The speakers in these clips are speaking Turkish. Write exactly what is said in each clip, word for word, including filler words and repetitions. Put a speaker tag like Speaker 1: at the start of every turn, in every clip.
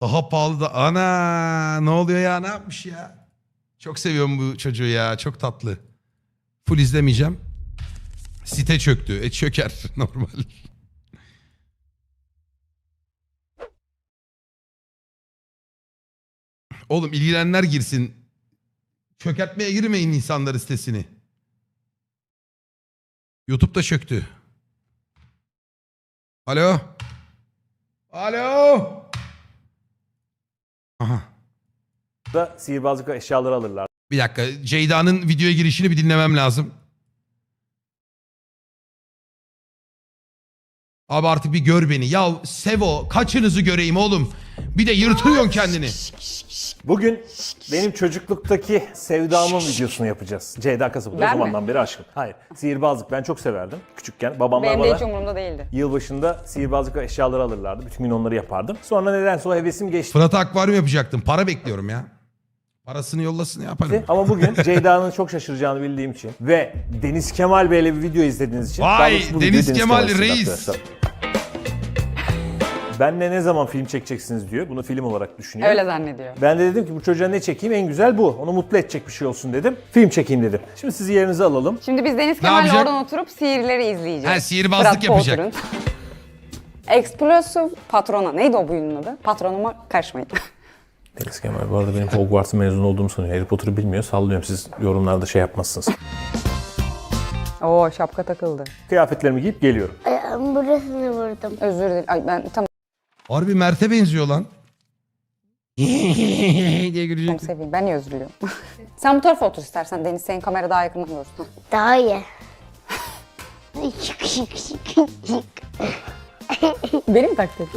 Speaker 1: Daha pahalı da. Ana ne oluyor ya, ne yapmış ya? Çok seviyorum bu çocuğu ya, çok tatlı. Full izlemeyeceğim. Site çöktü. E çöker normal. Oğlum ilgilenenler girsin. Çökertmeye girmeyin insanlar sitesini. YouTube'da çöktü. Alo. Alo. Aha.
Speaker 2: Da sihirbazlık eşyaları alırlar.
Speaker 1: Bir dakika. Ceyda'nın videoya girişini bir dinlemem lazım. Abi artık bir gör beni. Ya Sevo, kaçınızı göreyim oğlum. Bir de yırtıyorsun kendini.
Speaker 2: Bugün benim çocukluktaki sevdamın videosunu yapacağız. Ceyda Kasap'ı da o zamandan beri aşkım. Hayır. Sihirbazlık ben çok severdim. Küçükken babamlar
Speaker 3: Benim
Speaker 2: bana
Speaker 3: de hiç umurumda değildi.
Speaker 2: yılbaşında sihirbazlık eşyaları alırlardı. Bütün gün onları yapardım. Sonra nedense o hevesim geçti.
Speaker 1: Fırat'a akvaryum yapacaktım. Para bekliyorum ya. Parasını yollasın yaparım.
Speaker 2: Ama bugün Ceyda'nın çok şaşıracağını bildiğim için ve Deniz Kemal Bey'le bir video izlediğiniz için.
Speaker 1: Vay,
Speaker 2: daha doğrusu bu
Speaker 1: Deniz
Speaker 2: video
Speaker 1: Kemal
Speaker 2: Kemal
Speaker 1: reis.
Speaker 2: arkadaşlar. Benle ne zaman film çekeceksiniz diyor. Bunu film olarak düşünüyor.
Speaker 3: Öyle zannediyor.
Speaker 2: Ben de dedim ki bu çocuğa ne çekeyim, en güzel bu. Onu mutlu edecek bir şey olsun dedim. Film çekeyim dedim. Şimdi sizi yerinize alalım.
Speaker 3: Şimdi biz Deniz Kemal'le
Speaker 1: yapacak?
Speaker 3: oradan oturup sihirleri izleyeceğiz.
Speaker 1: Ha, sihirbazlık
Speaker 3: Fırat
Speaker 1: yapacak.
Speaker 3: Potur'un. Explosive Patrona. Neydi o buyunun adı? Patronuma karışmayın.
Speaker 2: Deniz Kemal bu arada benim Hogwarts'ın mezun olduğumu sanıyor. Harry Potter'ı bilmiyor. Sallıyorum, siz yorumlarda şey yapmazsınız.
Speaker 3: Oo, şapka takıldı.
Speaker 2: Kıyafetlerimi giyip geliyorum.
Speaker 4: Ayağım burasını vurdum.
Speaker 3: Özür dilerim. Ay ben tamam
Speaker 1: Harbi Mert'e benziyor lan. diye gülecek.
Speaker 3: seveyim. Ben niye özür diliyorum? Sen bu tarafa otur istersen. Deniz senin kamera daha yakından görsün.
Speaker 4: Daha iyi. Şık şık şık şık.
Speaker 3: Benim taklit.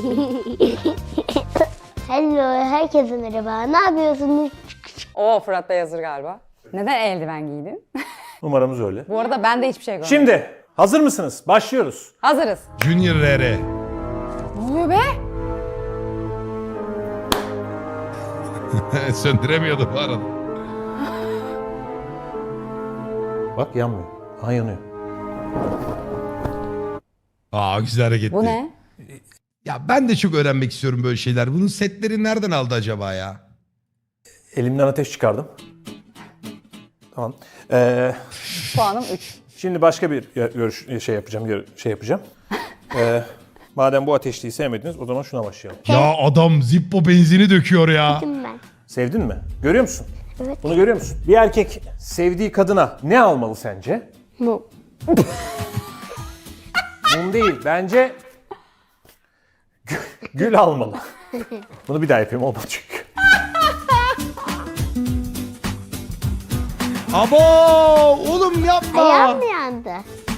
Speaker 4: Hello, herkese merhaba. Ne yapıyorsunuz?
Speaker 3: Oo, Fırat Bey hazır galiba. Neden eldiven giydin?
Speaker 2: Numaramız öyle.
Speaker 3: Bu arada ben de hiçbir şey görmedim.
Speaker 2: Şimdi hazır mısınız? Başlıyoruz.
Speaker 3: Hazırız.
Speaker 1: Junior R R.
Speaker 3: Ne oluyor be?
Speaker 1: Söndüremiyordu bu arada.
Speaker 2: Bak yanmıyor. Aha yanıyor.
Speaker 1: Aa güzel hareketti.
Speaker 3: Bu ne?
Speaker 1: Ya ben de çok öğrenmek istiyorum böyle şeyler. Bunun setleri nereden aldı acaba ya?
Speaker 2: Elimden ateş çıkardım. Tamam. Ee,
Speaker 3: Puanım üç.
Speaker 2: şimdi başka bir görüş şey yapacağım. gör- Şey yapacağım. Ee, madem bu ateşliği sevmediniz, o zaman şuna başlayalım.
Speaker 1: Ya adam Zippo benzini döküyor ya.
Speaker 4: Kim ben?
Speaker 2: Sevdin mi? Görüyor musun?
Speaker 4: Evet.
Speaker 2: Bunu görüyor musun? Bir erkek sevdiği kadına ne almalı sence?
Speaker 4: Bu.
Speaker 2: Mum değil. Bence gül, gül almalı. Bunu bir daha yapayım, olmadı çünkü.
Speaker 1: Abo oğlum yapma.
Speaker 4: Ayağım mı yandı?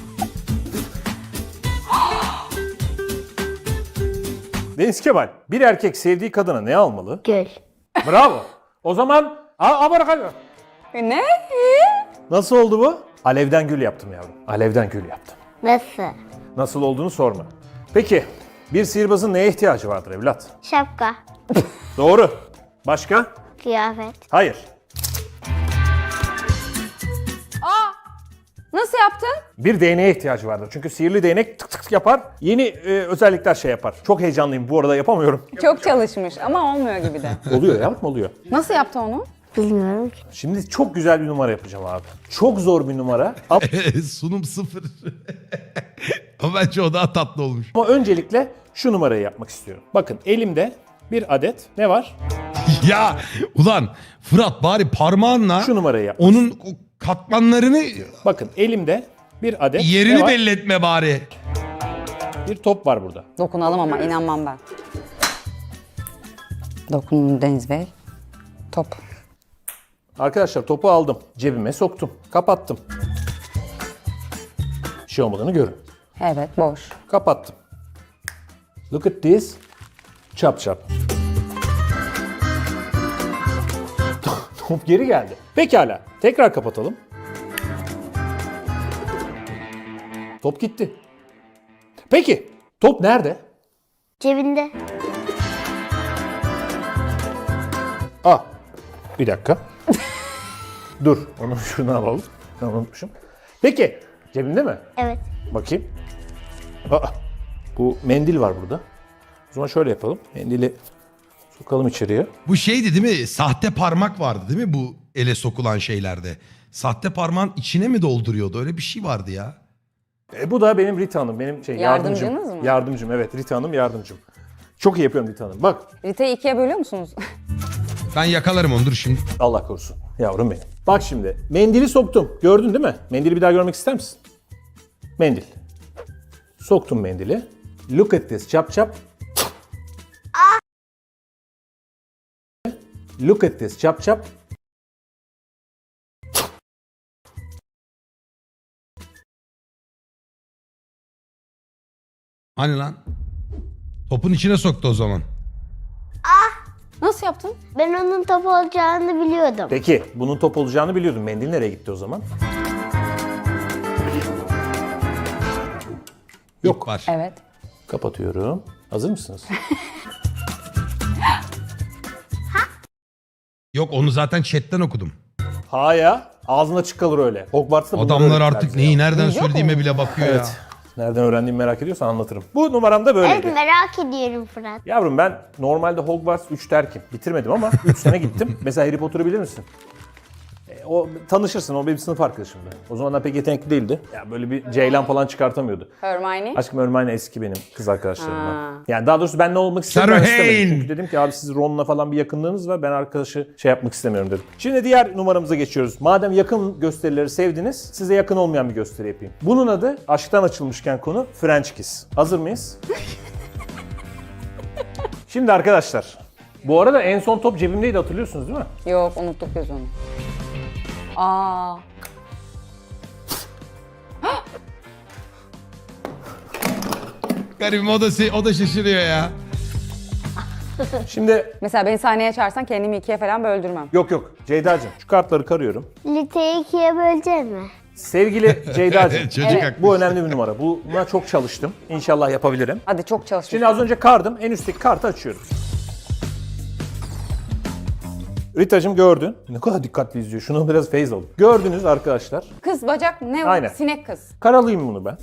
Speaker 2: Deniz Kemal, bir erkek sevdiği kadına ne almalı?
Speaker 4: Gül.
Speaker 2: Bravo. O zaman a, a bakalım.
Speaker 3: Ne?
Speaker 2: Nasıl oldu bu? Alevden gül yaptım yavrum. Alevden gül yaptım.
Speaker 4: Nasıl?
Speaker 2: Nasıl olduğunu sorma. Peki, bir sihirbazın neye ihtiyacı vardır evlat?
Speaker 4: Şapka.
Speaker 2: Doğru. Başka?
Speaker 4: Kıyafet.
Speaker 2: Hayır.
Speaker 3: Nasıl yaptın?
Speaker 2: Bir değneğe ihtiyacı vardır. Çünkü sihirli değnek tık tık tık yapar. Yeni e, özellikler şey yapar. Çok heyecanlıyım, bu arada yapamıyorum.
Speaker 3: Çok çalışmış ama olmuyor gibi de.
Speaker 2: Oluyor yavrum, oluyor.
Speaker 3: Nasıl yaptı onu?
Speaker 4: Bilmiyorum ki.
Speaker 2: Şimdi çok güzel bir numara yapacağım abi. Çok zor bir numara. Ama
Speaker 1: Sunum sıfır. Ama bence o daha tatlı olmuş.
Speaker 2: ama öncelikle şu numarayı yapmak istiyorum. Bakın elimde bir adet ne var?
Speaker 1: Ya ulan Fırat bari parmağınla
Speaker 2: Şu numarayı yap.
Speaker 1: onun o katmanlarını
Speaker 2: Bakın elimde bir adet ne
Speaker 1: yerini
Speaker 2: var?
Speaker 1: belli etme bari.
Speaker 2: Bir top var burada.
Speaker 3: Dokunalım ama inanmam ben. Dokunun Deniz Bey. Top.
Speaker 2: Arkadaşlar topu aldım. Cebime soktum. Kapattım. Bir şey olmadığını görün.
Speaker 3: Evet, boş.
Speaker 2: Kapattım. Look at this. Çap çap. Top geri geldi. Pekala. Tekrar kapatalım. Top gitti. Peki. Top nerede?
Speaker 4: Cebinde.
Speaker 2: Aa. Bir dakika. Dur. Onu şuradan alalım. Ben unutmuşum. Peki. Cebinde mi?
Speaker 4: Evet.
Speaker 2: Bakayım. Aa. Bu mendil var burada. O zaman şöyle yapalım. Mendili Sokalım içeriye.
Speaker 1: Bu şeydi değil mi? Sahte parmak vardı değil mi bu ele sokulan şeylerde? Sahte parmağın içine mi dolduruyordu? Öyle bir şey vardı ya.
Speaker 2: E, bu da benim Rita Hanım. Benim şey yardımcım.
Speaker 3: Yardımcınız mı?
Speaker 2: Yardımcım evet. Rita Hanım yardımcım. Çok iyi yapıyorum Rita Hanım. Bak
Speaker 3: Rita'yı ikiye bölüyor musunuz?
Speaker 1: Ben yakalarım onu dur şimdi.
Speaker 2: Allah korusun. Yavrum benim. Bak şimdi. Mendili soktum. Gördün değil mi? Mendili bir daha görmek ister misin? Mendil. Soktum mendili. Look at this. Çap çap. Look at this. Çap çap.
Speaker 1: Hani lan? Topun içine soktu o zaman.
Speaker 3: Nasıl yaptın?
Speaker 4: Ben onun top olacağını biliyordum.
Speaker 2: Peki bunun top olacağını biliyordum. Mendil nereye gitti o zaman?
Speaker 1: Yok. Var.
Speaker 3: Evet.
Speaker 2: Kapatıyorum. Hazır mısınız?
Speaker 1: Yok onu zaten chatten okudum.
Speaker 2: Ha ya. Ağzın açık kalır öyle. Hogwarts'ta bunları
Speaker 1: Adamlar
Speaker 2: öğrettiler
Speaker 1: artık
Speaker 2: bize
Speaker 1: neyi
Speaker 2: ya.
Speaker 1: nereden
Speaker 3: Yok
Speaker 1: söylediğime
Speaker 3: mu?
Speaker 1: bile bakıyor
Speaker 2: Evet.
Speaker 1: ya.
Speaker 2: Nereden öğrendiğimi merak ediyorsan anlatırım. Bu numaram da böyleydi.
Speaker 4: Evet merak ediyorum Fırat.
Speaker 2: Yavrum ben normalde Hogwarts üç terkim. Bitirmedim ama üç sene gittim. Mesela Harry Potter'ı bilir misin? E, o tanışırsın. O benim sınıf arkadaşımdı. O zamanlar pek yetenekli değildi. Ya böyle bir Ceylan falan çıkartamıyordu.
Speaker 3: Hermione.
Speaker 2: Aşkım Hermione eski benim kız arkadaşlarımdan.
Speaker 3: Ha.
Speaker 2: Yani daha doğrusu ben ne olmak istedim ben
Speaker 1: Sarah
Speaker 2: istemedim.
Speaker 1: Hayne.
Speaker 2: Çünkü dedim ki abi siz Ron'la falan bir yakınlığınız var. Ben arkadaşı şey yapmak istemiyorum dedim. Şimdi diğer numaramıza geçiyoruz. Madem yakın gösterileri sevdiniz, size yakın olmayan bir gösteri yapayım. Bunun adı aşktan açılmışken konu French Kiss. Hazır mıyız? Şimdi arkadaşlar. Bu arada en son top cebimdeydi hatırlıyorsunuz değil mi?
Speaker 3: Yok unuttuk biz onu. Aa.
Speaker 1: Garibim o da, se- o da şaşırıyor ya.
Speaker 2: Şimdi
Speaker 3: Mesela beni sahneye çağırsan kendimi ikiye falan böldürmem.
Speaker 2: yok yok Ceyda'cığım şu kartları karıyorum.
Speaker 4: Liteyi ikiye bölecek mi?
Speaker 2: Sevgili Ceyda'cığım
Speaker 1: Çocuk
Speaker 3: Evet.
Speaker 1: haklı.
Speaker 2: bu önemli bir numara. Buna çok çalıştım. İnşallah yapabilirim.
Speaker 3: Hadi çok çalışmış.
Speaker 2: Şimdi az önce kardım. En üstteki kartı açıyorum. Ritacığım gördün. Ne kadar dikkatli izliyor. Şunu biraz feyz alın. Gördünüz arkadaşlar.
Speaker 3: Kız bacak ne o?
Speaker 2: Aynen.
Speaker 3: Sinek kız.
Speaker 2: Karalayayım bunu ben.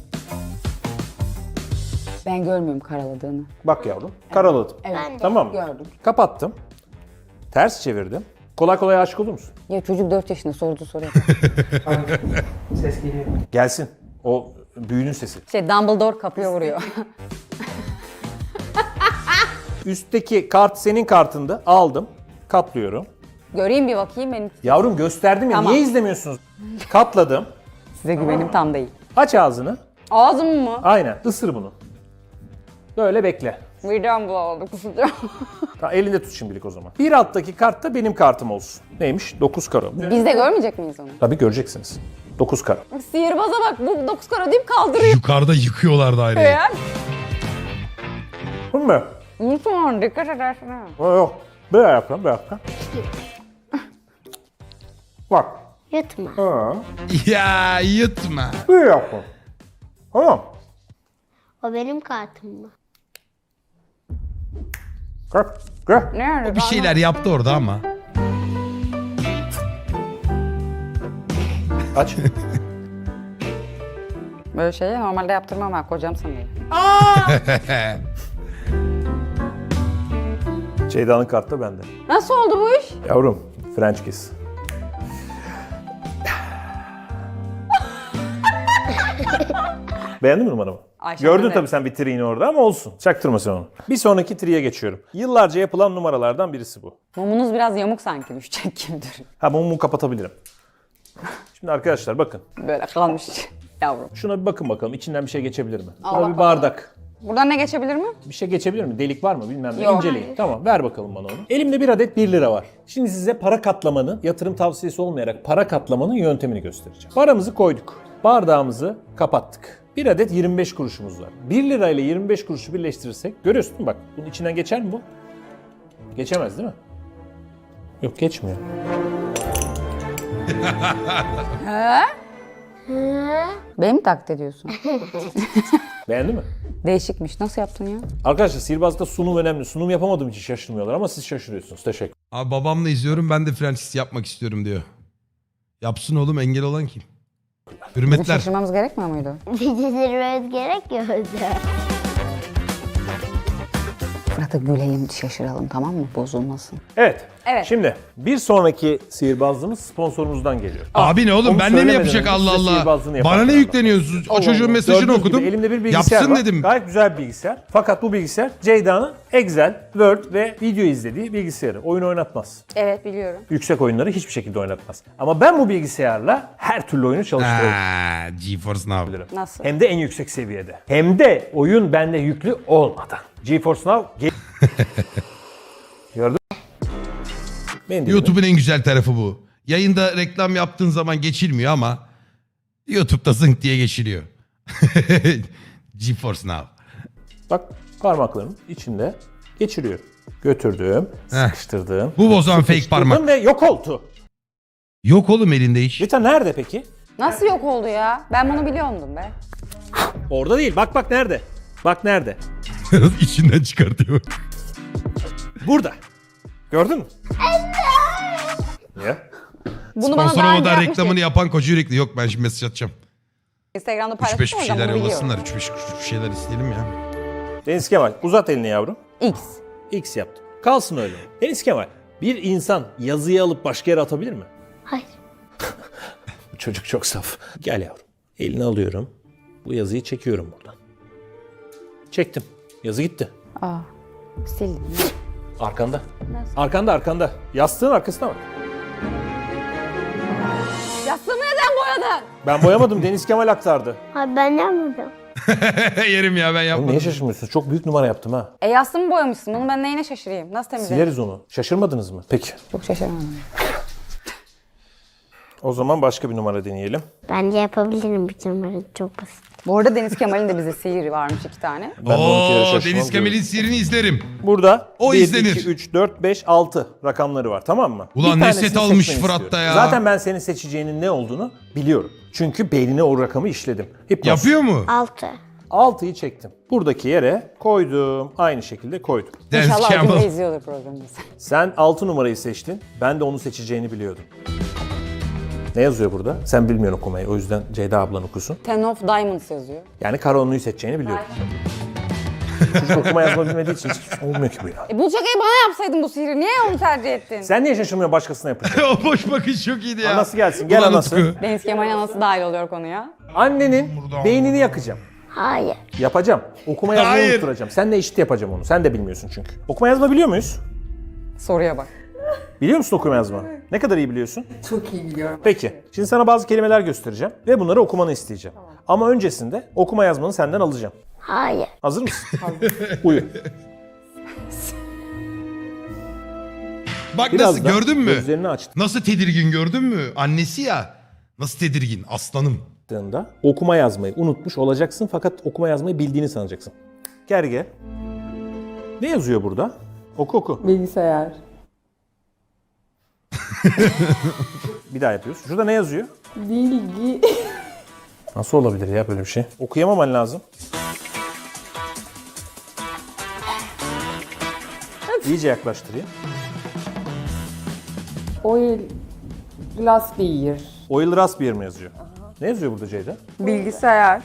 Speaker 3: Ben görmüyorum karaladığını.
Speaker 2: Bak yavrum. Karaladım.
Speaker 3: Evet.
Speaker 4: Ben de.
Speaker 2: Tamam mı?
Speaker 3: Gördüm.
Speaker 2: Kapattım. Ters çevirdim. Kolay kolay aşık olur musun?
Speaker 3: Ya çocuk dört yaşında sordu soruyor.
Speaker 5: Ses geliyor.
Speaker 2: Gelsin. O büyünün sesi.
Speaker 3: Şey Dumbledore kapıya vuruyor.
Speaker 2: Üstteki kart senin kartında. Aldım. Katlıyorum.
Speaker 3: Göreyim bir bakayım benim.
Speaker 2: Yavrum gösterdim ya.
Speaker 3: Tamam.
Speaker 2: Niye izlemiyorsunuz? Katladım.
Speaker 3: Size güvenim tam değil.
Speaker 2: Aç ağzını.
Speaker 3: Ağzım mı?
Speaker 2: Aynen. Isır bunu. Böyle bekle.
Speaker 3: Midem bulandı kusacağım.
Speaker 2: Ha, elinde tut şimdilik o zaman. Bir alttaki kart da benim kartım olsun. Neymiş? dokuz karo.
Speaker 3: Biz de görmeyecek miyiz onu?
Speaker 2: Tabii göreceksiniz. dokuz karo.
Speaker 3: Bak sihirbaza bak bu dokuz kara deyip kaldırıyor
Speaker 1: Yukarıda yıkıyorlar daireyi.
Speaker 3: ya.
Speaker 2: Bu mu?
Speaker 3: Lütfen dikkat edersin ha.
Speaker 2: Yok yok. Böyle yapalım, böyle yapalım. Bak.
Speaker 4: Yutma.
Speaker 2: Ha.
Speaker 1: Ya yutma.
Speaker 2: Böyle yapalım. Tamam.
Speaker 4: O benim kartım mı?
Speaker 2: Gel. Gel.
Speaker 3: Nerede?
Speaker 1: Bir şeyler yaptı orada ama.
Speaker 2: Aç.
Speaker 3: Böyle şeyi normalde yaptırmam ben kocam sanıyor.
Speaker 2: Ceyda'nın kartı da bende.
Speaker 3: Nasıl oldu bu iş?
Speaker 2: Yavrum. French kiss. Beğendin mi numaramı?
Speaker 3: Ayşe
Speaker 2: Gördün
Speaker 3: Hanım.
Speaker 2: tabii sen bir triğini orada ama olsun. Çaktırma sen onu. Bir sonraki triye geçiyorum. Yıllarca yapılan numaralardan birisi bu.
Speaker 3: Mumunuz biraz yamuk sanki düşecek gibidir.
Speaker 2: Ha mumu kapatabilirim. Şimdi arkadaşlar bakın.
Speaker 3: Böyle kalmış yavrum.
Speaker 2: Şuna bir bakın bakalım. İçinden bir şey geçebilir mi?
Speaker 3: Al
Speaker 2: Şuna bir
Speaker 3: bakalım.
Speaker 2: bardak.
Speaker 3: Buradan ne geçebilir mi?
Speaker 2: Bir şey geçebilir mi? Delik var mı? Bilmem ne.
Speaker 3: Yok.
Speaker 2: İnceleyin. Tamam ver bakalım bana onu. Elimde bir adet bir lira var. Şimdi size para katlamanın, yatırım tavsiyesi olmayarak para katlamanın yöntemini göstereceğim. Paramızı koyduk. Bardağımızı kapattık. Bir adet yirmi beş kuruşumuz var. bir lira ile yirmi beş kuruşu birleştirirsek görüyorsun değil mi? Bak bunun içinden geçer mi bu? Geçemez değil mi? Yok geçmiyor.
Speaker 3: Beni mi taklit ediyorsun?
Speaker 2: Beğendi mi?
Speaker 3: Değişikmiş. Nasıl yaptın ya?
Speaker 2: Arkadaşlar sihirbazlıkta sunum önemli. Sunum yapamadığım için şaşırmıyorlar ama siz şaşırıyorsunuz. Teşekkür.
Speaker 1: Abi babamla izliyorum ben de Francis yapmak istiyorum diyor. Yapsın oğlum engel olan kim?
Speaker 3: Bizim
Speaker 1: Hürmetler.
Speaker 3: şaşırmamız gerekmiyor muydu?
Speaker 4: Bizi zirveye gerek yok.
Speaker 3: Fırat'a gülelim, şaşıralım, tamam mı? Bozulmasın.
Speaker 2: Evet.
Speaker 3: Evet.
Speaker 2: Şimdi bir sonraki sihirbazlığımız sponsorumuzdan geliyor.
Speaker 1: Abi ne oğlum
Speaker 2: Onu
Speaker 1: ben ne mi
Speaker 2: söylemeden
Speaker 1: yapacak
Speaker 2: önce
Speaker 1: Allah
Speaker 2: size
Speaker 1: Allah.
Speaker 2: sihirbazlığını yaparken
Speaker 1: Bana ne
Speaker 2: anlatayım.
Speaker 1: yükleniyorsunuz? O
Speaker 3: Allah
Speaker 1: çocuğun
Speaker 3: Allah.
Speaker 1: mesajını
Speaker 2: Gördüğünüz gibi
Speaker 1: okudum.
Speaker 2: elimde bir bilgisayar
Speaker 1: Yapsın
Speaker 2: var.
Speaker 1: dedim.
Speaker 2: Gayet güzel bir bilgisayar. Fakat bu bilgisayar Ceyda'nın Excel, Word ve video izlediği bilgisayarı. Oyun oynatmaz.
Speaker 3: Evet, biliyorum.
Speaker 2: Yüksek oyunları hiçbir şekilde oynatmaz. Ama ben bu bilgisayarla her türlü oyunu çalıştırabilirim.
Speaker 1: Ha, GeForce Now.
Speaker 3: Nasıl?
Speaker 2: Hem de en yüksek seviyede. Hem de oyun bende yüklü olmadan. GeForce Now... Ge- Gördün mü? Benim de
Speaker 1: YouTube'un en güzel tarafı bu. Yayında reklam yaptığın zaman geçilmiyor ama YouTube'da zınk diye geçiliyor. GeForce Now.
Speaker 2: Bak parmaklarımın içinde geçiriyorum. Götürdüm,
Speaker 1: Heh.
Speaker 2: sıkıştırdım.
Speaker 1: Bu bozan fake
Speaker 2: sıkıştırdım
Speaker 1: parmak.
Speaker 2: ve yok oldu.
Speaker 1: Yok oğlum elinde iş.
Speaker 2: Rita nerede peki?
Speaker 3: Nasıl yok oldu ya? Ben bunu biliyordum be.
Speaker 2: Orada değil. Bak bak nerede? Bak nerede?
Speaker 1: İçinden çıkartıyor.
Speaker 2: Burada. Gördün mü? Ya.
Speaker 3: Bunu bana
Speaker 1: Sponsor
Speaker 3: daha önce
Speaker 1: olmadan
Speaker 3: yapmıştı.
Speaker 1: reklamını yapan koca yürekli. Yok ben şimdi mesaj atacağım.
Speaker 3: Instagram'da
Speaker 1: üç beş
Speaker 3: paylaştım
Speaker 1: bir
Speaker 3: hocam,
Speaker 1: şeyler
Speaker 3: bunu biliyorum.
Speaker 1: yollasınlar. üç beş bir şeyler isteyelim ya.
Speaker 2: Deniz Kemal uzat elini yavrum.
Speaker 3: X.
Speaker 2: X yaptım. Kalsın öyle. Deniz Kemal bir insan yazıyı alıp başka yere atabilir mi?
Speaker 4: Hayır.
Speaker 2: Bu çocuk çok saf. Gel yavrum. Elini alıyorum. Bu yazıyı çekiyorum buradan. Çektim. Yazı gitti.
Speaker 3: Aa, sildim.
Speaker 2: Arkanda. Arkanda arkanda. Yastığın arkasına bak.
Speaker 3: Yastığımı neden boyadın?
Speaker 2: Ben boyamadım. Deniz Kemal aktardı.
Speaker 4: Hayır ben yapmadım.
Speaker 1: Yerim ya ben
Speaker 2: Oğlum
Speaker 1: yapmadım.
Speaker 2: niye şaşırmıyorsunuz? Çok büyük numara yaptım ha.
Speaker 3: E yastığımı boyamışsın. Bunu ben neyine şaşırayım? Nasıl temizlerim?
Speaker 2: Sileriz onu. Şaşırmadınız mı? Peki.
Speaker 3: Çok şaşırmadım.
Speaker 2: O zaman başka bir numara deneyelim.
Speaker 4: Bence yapabilirim bütün numara çok basit.
Speaker 3: Bu arada Deniz Kemal'in de bize sihiri varmış iki tane.
Speaker 2: Ben de on iki yere
Speaker 1: Oo,
Speaker 2: şaşırmam
Speaker 1: Deniz Kemal'in
Speaker 2: diyorum.
Speaker 1: sihirini izlerim.
Speaker 2: Burada
Speaker 1: O
Speaker 2: bir,
Speaker 1: izlenir.
Speaker 2: iki, üç, dört, beş, altı rakamları var, tamam mı?
Speaker 1: Ulan
Speaker 2: Bir
Speaker 1: ne
Speaker 2: tanesini
Speaker 1: set almış
Speaker 2: seçmeni
Speaker 1: Fırat da
Speaker 2: istiyorum.
Speaker 1: ya.
Speaker 2: Zaten ben senin seçeceğinin ne olduğunu biliyorum. Çünkü beynine o rakamı işledim. Hipnoz.
Speaker 1: Yapıyor mu?
Speaker 4: Altı.
Speaker 2: altıyı çektim. Buradaki yere koydum. Aynı şekilde koydum.
Speaker 1: Deniz
Speaker 3: İnşallah
Speaker 1: Kemal.
Speaker 3: Acun da izliyordur programımızı.
Speaker 2: Sen altı numarayı seçtin. Ben de onu seçeceğini biliyordum. Ne yazıyor burada? Sen bilmiyorsun okumayı. O yüzden Ceyda ablan okusun.
Speaker 3: Ten of Diamonds yazıyor.
Speaker 2: Yani Karaonu'yu seçeceğini biliyordum. Çocuk okuma yazma bilmediği için hiç olmuyor ki bu ya.
Speaker 3: E bu şakayı bana yapsaydın bu sihiri. Niye onu tercih ettin?
Speaker 2: Sen niye şaşırmıyorsun başkasına yapınca?
Speaker 1: O boş bakış çok iyiydi ya.
Speaker 2: Anası gelsin. Gel
Speaker 1: Ulan
Speaker 2: anası.
Speaker 1: Utku.
Speaker 3: Deniz Kemal'in anası dahil oluyor konuya.
Speaker 2: Annenin beynini yakacağım.
Speaker 4: Hayır.
Speaker 2: Yapacağım. Okuma yazmayı
Speaker 1: Hayır.
Speaker 2: unutturacağım. Sen de eşit yapacağım onu. Sen de bilmiyorsun çünkü. Okuma yazma biliyor muyuz?
Speaker 3: Soruya bak.
Speaker 2: Biliyor musun okuma yazma? Ne kadar iyi biliyorsun?
Speaker 5: Çok iyi biliyorum.
Speaker 2: Peki. Şimdi sana bazı kelimeler göstereceğim ve bunları okumanı isteyeceğim. Ama öncesinde okuma yazmanı senden alacağım.
Speaker 4: Hayır.
Speaker 2: Hazır mısın? Uyu.
Speaker 1: Bak nasıl
Speaker 2: Birazdan
Speaker 1: gördün mü?
Speaker 2: gözlerini açtığında
Speaker 1: Nasıl tedirgin gördün mü? Annesi ya. Nasıl tedirgin aslanım.
Speaker 2: okuma yazmayı unutmuş olacaksın fakat okuma yazmayı bildiğini sanacaksın. Gerge. Ne yazıyor burada? Oku oku.
Speaker 5: Bilgisayar.
Speaker 2: Bir daha yapıyoruz. Şurada ne yazıyor?
Speaker 5: Bilgi.
Speaker 2: Nasıl olabilir ya böyle bir şey? Okuyamaman lazım. İyice yaklaştırayım.
Speaker 5: Oil. Glass beer.
Speaker 2: Oil Raspberry mi yazıyor? Ne yazıyor burada Ceyda?
Speaker 3: Bilgisayar.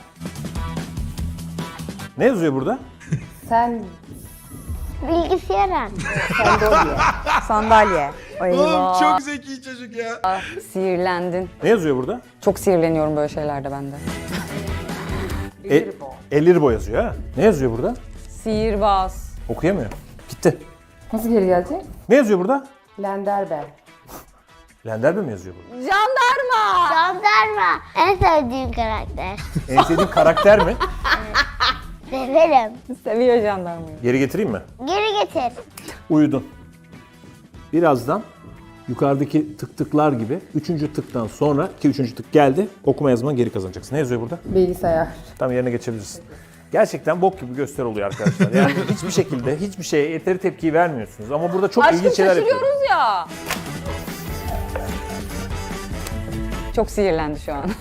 Speaker 2: Ne yazıyor burada?
Speaker 5: Sen.
Speaker 4: Bilgisayar.
Speaker 3: Sandalye.
Speaker 1: Oğlum çok zeki çocuk ya.
Speaker 3: Sihirlendin.
Speaker 2: Ne yazıyor burada?
Speaker 3: Çok sinirleniyorum böyle şeylerde ben de.
Speaker 2: E, Elirbo yazıyor ha. Ne yazıyor burada?
Speaker 3: Sihirbaz.
Speaker 2: Okuyamıyor. Gitti.
Speaker 5: Nasıl geri gelecek?
Speaker 2: Ne yazıyor burada?
Speaker 5: Lenderber.
Speaker 2: Lenderbe mi yazıyor burada?
Speaker 3: Jandarma.
Speaker 4: Jandarma. En sevdiğim karakter.
Speaker 2: En sevdiğin karakter mi?
Speaker 4: Severim.
Speaker 3: Seviyor jandarmayı.
Speaker 2: Geri getireyim mi?
Speaker 4: Geri getir.
Speaker 2: Uyudun. Birazdan yukarıdaki tık tıklar gibi üçüncü tıktan sonra ki üçüncü tık geldi okuma yazmanı geri kazanacaksın. Ne yazıyor burada?
Speaker 5: Bilgisayar.
Speaker 2: Tam yerine geçebilirsin. Gerçekten bok gibi gösteri oluyor arkadaşlar. Yani hiçbir şekilde hiçbir şeye yeteri tepkiyi vermiyorsunuz. Ama burada çok
Speaker 3: Aşkım
Speaker 2: ilginç şeyler yapıyoruz.
Speaker 3: şaşırıyoruz ya. Çok sinirlendi şu an.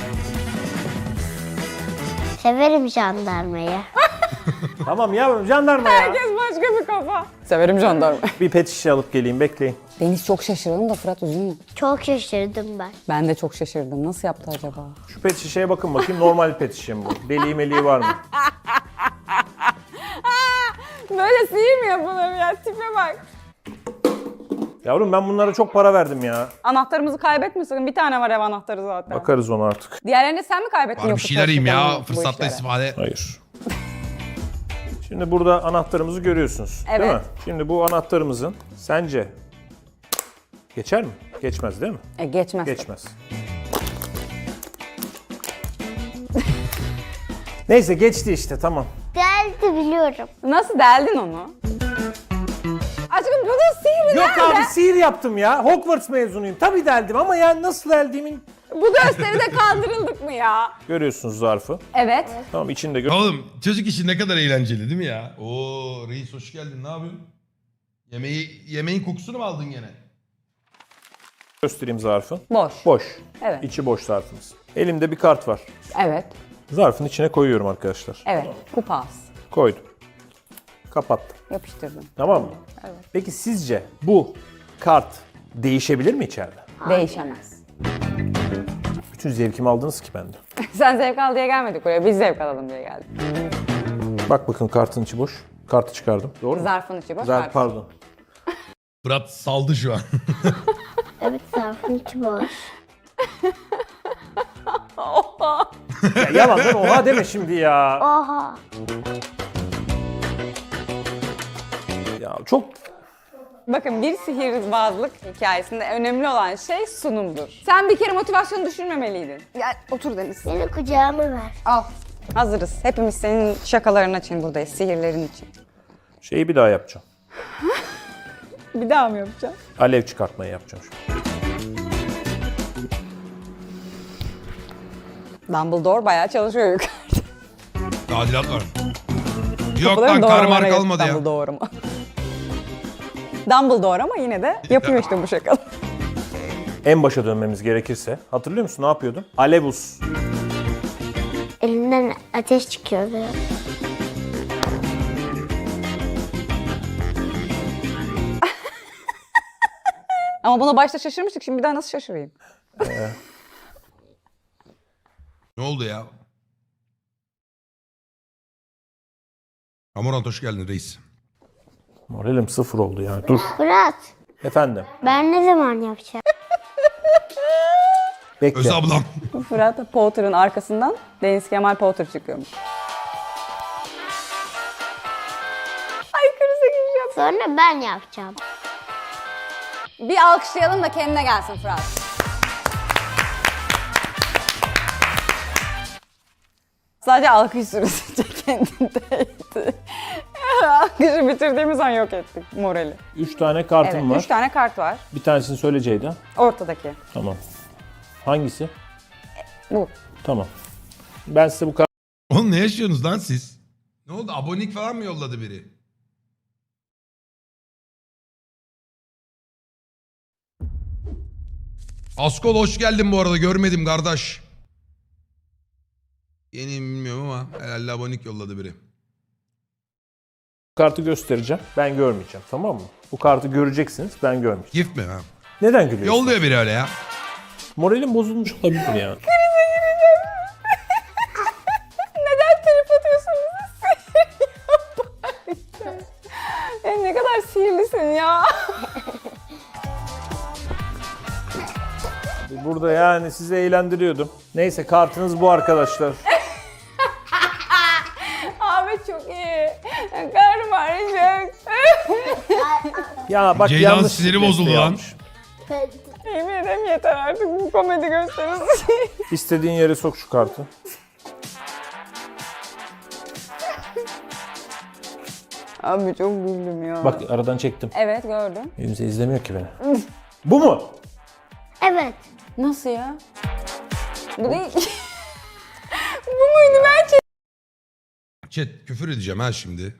Speaker 4: Severim jandarmayı.
Speaker 2: Tamam yavrum jandarma ya.
Speaker 3: Herkes başka bir kafa. Severim jandarma.
Speaker 2: Bir pet şişe alıp geleyim bekleyin.
Speaker 3: Deniz çok şaşırdım da Fırat üzülme.
Speaker 4: Çok şaşırdım ben.
Speaker 3: Ben de çok şaşırdım. Nasıl yaptı acaba?
Speaker 2: Şu pet şişeye bakın bakayım normal pet şişe mi bu? Deliği meliği var mı?
Speaker 3: Böyle sihir mi yapılır ya? Tipe bak.
Speaker 2: Yavrum ben bunlara çok para verdim ya.
Speaker 3: Anahtarımızı kaybetme sakın. Bir tane var ev anahtarı zaten.
Speaker 2: Bakarız ona artık.
Speaker 3: Diğerlerini sen mi kaybettin
Speaker 1: Var bir
Speaker 3: yoksa
Speaker 1: şeyler yiyeyim ya.
Speaker 3: çalışırken mi bu
Speaker 1: Fırsatta
Speaker 3: işlere?
Speaker 1: istifade.
Speaker 2: Hayır. Şimdi burada anahtarımızı görüyorsunuz. Değil
Speaker 3: Evet.
Speaker 2: mi? Şimdi bu anahtarımızın sence geçer mi? Geçmez değil mi?
Speaker 3: E geçmez.
Speaker 2: Geçmez. Neyse geçti işte tamam.
Speaker 4: Geldi biliyorum.
Speaker 3: Nasıl deldin onu? Aşkım bunun sihri
Speaker 2: Yok
Speaker 3: nerede?
Speaker 2: abi sihir yaptım ya. Hogwarts mezunuyum. Tabii deldim ama yani nasıl deldiğimin...
Speaker 3: Bu gösteride kandırıldık mı ya?
Speaker 2: Görüyorsunuz zarfı.
Speaker 3: Evet.
Speaker 2: Tamam içinde gö-
Speaker 1: Oğlum çocuk işi ne kadar eğlenceli değil mi ya? Oo reis hoş geldin, ne yapıyorsun? Yemeği, yemeğin kokusunu mu aldın gene?
Speaker 2: göstereyim zarfı.
Speaker 3: Boş.
Speaker 2: Boş.
Speaker 3: Evet.
Speaker 2: İçi boş zarfımız. Elimde bir kart var.
Speaker 3: Evet.
Speaker 2: Zarfın içine koyuyorum arkadaşlar.
Speaker 3: Evet. Kupas.
Speaker 2: Koydum. Kapattım.
Speaker 3: Yapıştırdım.
Speaker 2: Tamam mı?
Speaker 3: Evet.
Speaker 2: Peki sizce bu kart değişebilir mi içeride?
Speaker 3: Değişemez.
Speaker 2: Bütün zevkimi aldınız ki benden.
Speaker 3: Sen zevk al diye gelmedik buraya. Biz zevk alalım diye geldik.
Speaker 2: Bak bakın kartın içi boş. Kartı çıkardım. Doğru mu?
Speaker 3: Zarfın içi boş.
Speaker 2: Zarf
Speaker 3: zarf.
Speaker 2: pardon.
Speaker 1: Fırat saldı şu an.
Speaker 4: Evet zarfın içi boş.
Speaker 3: Oha.
Speaker 2: Ya yalandan oha deme şimdi ya.
Speaker 4: Oha.
Speaker 2: Ya çok
Speaker 3: Bakın bir sihirbazlık hikayesinde önemli olan şey sunumdur. Sen bir kere motivasyonu düşürmemeliydin. Gel otur Deniz.
Speaker 4: Seni kucağıma ver.
Speaker 3: Al. Hazırız. Hepimiz senin şakaların için buradayız. Sihirlerin için.
Speaker 2: şeyi bir daha yapacağım.
Speaker 3: Bir daha mı yapacağım?
Speaker 2: Alev çıkartmayı yapacağım şu.
Speaker 3: Dumbledore bayağı çalışıyor yukarıda.
Speaker 1: Tadilat var. Yok
Speaker 3: Kapıların
Speaker 1: lan kar mar
Speaker 3: doğramaları
Speaker 1: kalmadı ya.
Speaker 3: Dumbledore mu? Dumbledore ama yine de yapıyor işte bu şakalı.
Speaker 2: En başa dönmemiz gerekirse. Hatırlıyor musun ne yapıyordum? Alevus.
Speaker 4: Elinden ateş çıkıyordu.
Speaker 3: Ama buna başta şaşırmıştık. Şimdi bir daha nasıl şaşırayım?
Speaker 1: Ne oldu ya? Amorant hoş geldin reis.
Speaker 2: Moralim sıfır oldu ya. Dur.
Speaker 4: Fırat,
Speaker 2: Efendim.
Speaker 4: ben ne zaman yapacağım?
Speaker 2: Bekle.
Speaker 1: Öz ablam.
Speaker 3: Fırat Potter'ın arkasından Deniz Kemal Potter çıkıyormuş. Ay krize gireceğim.
Speaker 4: Sonra ben yapacağım.
Speaker 3: Bir alkışlayalım da kendine gelsin Fırat. Sadece alkış süresi kendindeydi. Alkışı bitirdiğimiz an yok ettik morali.
Speaker 2: Üç tane kartım
Speaker 3: Evet,
Speaker 2: var.
Speaker 3: üç tane kart var.
Speaker 2: Bir tanesini söyle Ceyda.
Speaker 3: Ortadaki.
Speaker 2: Tamam. Hangisi?
Speaker 3: Bu.
Speaker 2: Tamam. Ben size bu kart...
Speaker 1: Oğlum ne yaşıyorsunuz lan siz? Ne oldu? Abonelik falan mı yolladı biri? Askol hoş geldin bu arada. Görmedim kardeş. Yeni bilmiyorum ama herhalde abonelik yolladı biri.
Speaker 2: kartı göstereceğim. Ben görmeyeceğim. Tamam mı? Bu kartı göreceksiniz. Ben görmeyeceğim.
Speaker 1: Gift mi? Ha?
Speaker 2: Neden gülüyorsun?
Speaker 1: Yolluyor biri öyle ya.
Speaker 2: Moralim bozulmuş olabilir ya.
Speaker 3: Neden trip atıyorsunuz? Sihir yaparken. Ya ne kadar sihirlisin ya.
Speaker 2: Burada yani sizi eğlendiriyordum. Neyse kartınız bu arkadaşlar.
Speaker 3: Abi çok iyi. Karnım ağrıyacak.
Speaker 2: Ya bak
Speaker 1: Ceylan
Speaker 2: yanlış
Speaker 1: siniri
Speaker 2: desteği
Speaker 1: bozuldu lan.
Speaker 2: almış.
Speaker 3: Yemin ederim yeter artık bu komedi gösterisi.
Speaker 2: İstediğin yere sok şu kartı.
Speaker 3: Abi çok güldüm ya.
Speaker 2: Bak aradan çektim.
Speaker 3: Evet gördüm.
Speaker 2: Kimse izlemiyor ki beni. Bu mu?
Speaker 4: Evet.
Speaker 3: Nasıl ya? Bu değil. Bu muydu ben çek-
Speaker 1: Chat küfür edeceğim ha şimdi.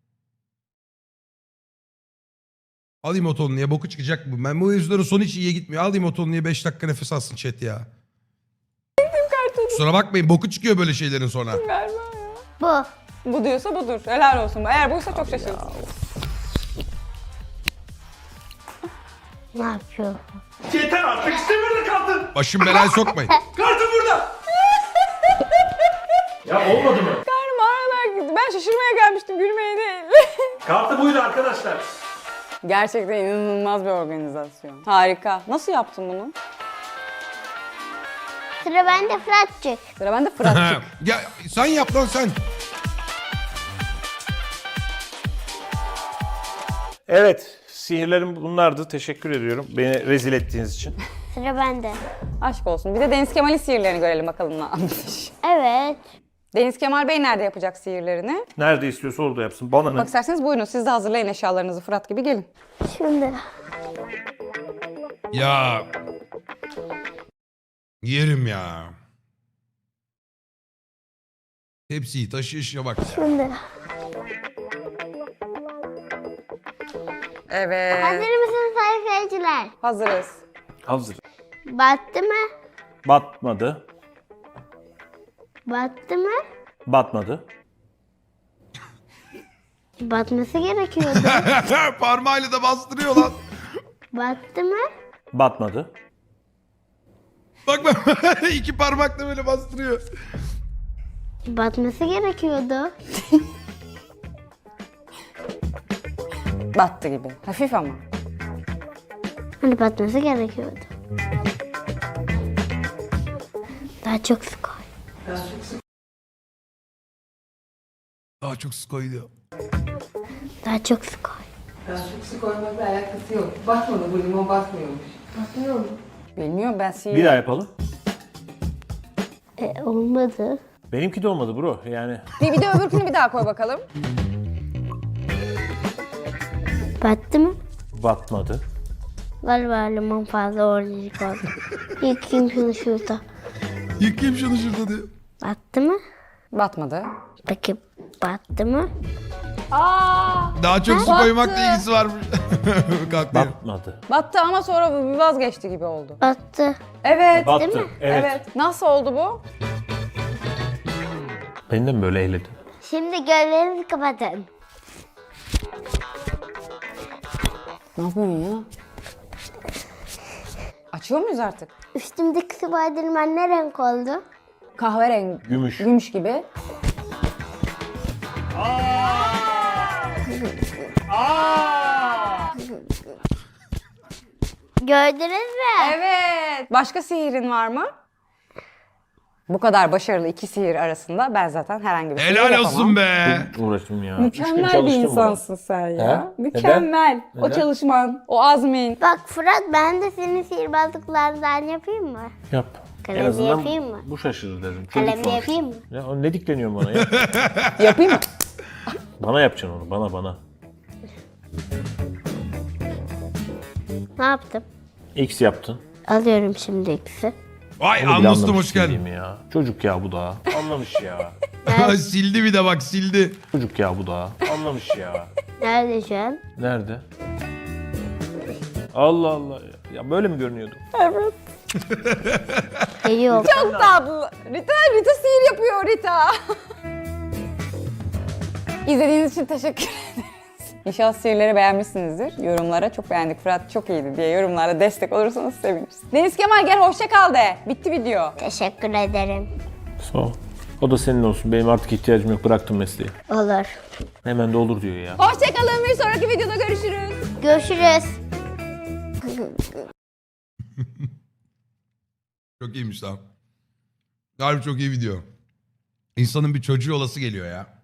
Speaker 1: Alayım oton niye boku çıkacak bu. Ben bu yüzlerin sonu hiç iyiye gitmiyor. Alayım oton niye beş dakika nefes alsın chat ya. Kusura bakmayın boku çıkıyor böyle şeylerin sonra.
Speaker 3: galiba ya.
Speaker 4: Bu.
Speaker 3: Bu diyorsa budur. Helal olsun. Eğer buysa çok şaşırdım.
Speaker 4: Ne yapıyor?
Speaker 2: Yeter artık istemiyorum kartı.
Speaker 1: Başım belaya sokmayın.
Speaker 2: Kartı burada. Ya olmadı mı?
Speaker 3: Karnım ağrılar gitti. Ben şaşırmaya gelmiştim. Gülmeye değil.
Speaker 2: Kartı buydu arkadaşlar.
Speaker 3: Gerçekten inanılmaz bir organizasyon. Harika. Nasıl yaptın bunu?
Speaker 4: Sıra bende Fırat'cık.
Speaker 3: Sıra bende Fırat'cık.
Speaker 1: Ya sen yap lan sen.
Speaker 2: Evet, sihirlerim bunlardı. Teşekkür ediyorum beni rezil ettiğiniz için.
Speaker 4: Sıra bende.
Speaker 3: Aşk olsun. Bir de Deniz Kemal'in sihirlerini görelim bakalım ne yapmış.
Speaker 4: Evet.
Speaker 3: Deniz Kemal Bey nerede yapacak sihirlerini?
Speaker 2: Nerede istiyorsa orada yapsın. Bana ne?
Speaker 3: Bak isterseniz buyurun siz de hazırlayın eşyalarınızı Fırat gibi gelin.
Speaker 4: Şimdi.
Speaker 1: Ya. Yerim ya. Hepsi taşıyışa bak ya.
Speaker 4: Şimdi.
Speaker 3: Evet.
Speaker 4: Hazır mısınız sayfacılar?
Speaker 3: Hazırız.
Speaker 2: Hazır.
Speaker 4: Battı mı?
Speaker 2: Batmadı.
Speaker 4: Battı mı?
Speaker 2: Batmadı.
Speaker 4: Batması gerekiyordu.
Speaker 1: Parmağıyla da bastırıyor lan.
Speaker 4: Battı mı?
Speaker 2: Batmadı.
Speaker 1: Bak bak iki parmakla böyle bastırıyor.
Speaker 4: Batması gerekiyordu.
Speaker 3: Battı gibi. Hafif ama.
Speaker 4: Hani batması gerekiyordu. Daha çok su koy.
Speaker 1: Daha çok su koydu.
Speaker 4: Daha çok su koy.
Speaker 5: Su koymakla alakası yok. Batmadı bu limon batmıyormuş. Batmıyor mu?
Speaker 3: Bilmiyorum ben sihir...
Speaker 2: Bir daha yapalım.
Speaker 4: E, olmadı.
Speaker 2: Benimki de olmadı bro. Yani
Speaker 3: Bir, bir de öbürkünü bir daha koy bakalım.
Speaker 4: Battı mı?
Speaker 2: batmadı.
Speaker 4: Galiba limon fazla organik oldu. Yıkayayım şunu şurada.
Speaker 1: Yıkayayım şunu şurada diyor.
Speaker 4: Battı mı?
Speaker 3: Batmadı.
Speaker 4: Peki battı mı?
Speaker 3: Aa!
Speaker 1: Daha çok su
Speaker 3: Battı.
Speaker 1: koymakla ilgisi varmış. Kalkmıyor.
Speaker 2: Batmadı.
Speaker 3: Battı ama sonra bir vazgeçti gibi oldu.
Speaker 4: Battı.
Speaker 3: Evet.
Speaker 2: Battı.
Speaker 4: mi?
Speaker 2: Evet.
Speaker 3: Evet. Nasıl oldu bu?
Speaker 2: Beni de mi böyle eğledin?
Speaker 4: Şimdi gözlerinizi kapatın.
Speaker 3: Ne yapıyorsun ya? Açıyor muyuz artık?
Speaker 4: Üstümdeki Spiderman ne renk oldu?
Speaker 3: Kahverengi.
Speaker 2: Gümüş.
Speaker 3: Gümüş gibi.
Speaker 4: Gördünüz mü?
Speaker 3: Evet. Başka sihirin var mı? Bu kadar başarılı iki sihir arasında ben zaten herhangi bir sihir
Speaker 1: Helal
Speaker 3: yapamam.
Speaker 1: olsun be.
Speaker 2: Uğraştım ya. Üç gün
Speaker 3: Mükemmel bir
Speaker 2: çalıştım
Speaker 3: insansın sen ya.
Speaker 2: He?
Speaker 3: Mükemmel.
Speaker 2: Neden?
Speaker 3: O
Speaker 2: Neden?
Speaker 3: çalışman, o azmin.
Speaker 4: Bak Fırat ben de senin sihirbazlıklarından yapayım mı?
Speaker 2: buna. Yap.
Speaker 4: Kalemle
Speaker 2: En azından
Speaker 4: yapayım mı?
Speaker 2: bu şaşırır dedim. Çocuk
Speaker 4: Kalemle
Speaker 2: sonuçta.
Speaker 4: yapayım mı?
Speaker 2: Ya, o ne dikleniyor bana ya?
Speaker 3: Yapayım mı?
Speaker 2: Bana yapacaksın onu. Bana bana.
Speaker 4: Ne yaptım?
Speaker 2: X yaptın.
Speaker 4: Alıyorum şimdi ikisi.
Speaker 1: Vay
Speaker 2: Onu bile
Speaker 1: anlastum
Speaker 2: anlamış
Speaker 1: hoş geldin.
Speaker 2: değilim Ya. Çocuk ya bu da. Anlamış ya.
Speaker 1: Sildi bir de bak sildi.
Speaker 2: Çocuk ya bu da. Anlamış ya.
Speaker 4: Nerede şu an?
Speaker 2: Nerede? Allah Allah. Ya, ya böyle mi görünüyordu?
Speaker 4: E, yok.
Speaker 3: Çok tatlı. Rita, Rita sihir yapıyor Rita. İzlediğiniz için teşekkür ederiz. İnşallah sihirleri beğenmişsinizdir. Yorumlara çok beğendik Fırat çok iyiydi diye yorumlara destek olursanız seviniriz. Deniz Kemal gel hoşça kal de. Bitti video.
Speaker 4: Teşekkür ederim.
Speaker 2: Sağ ol. O da senin olsun. Benim artık ihtiyacım yok. Bıraktım mesleği.
Speaker 4: Olur.
Speaker 2: Hemen de olur diyor ya.
Speaker 3: Hoşça kalın bir sonraki videoda görüşürüz.
Speaker 4: Görüşürüz.
Speaker 1: Çok iyiymiş lan. Harbi çok iyi video. İnsanın bir çocuğu olası geliyor ya.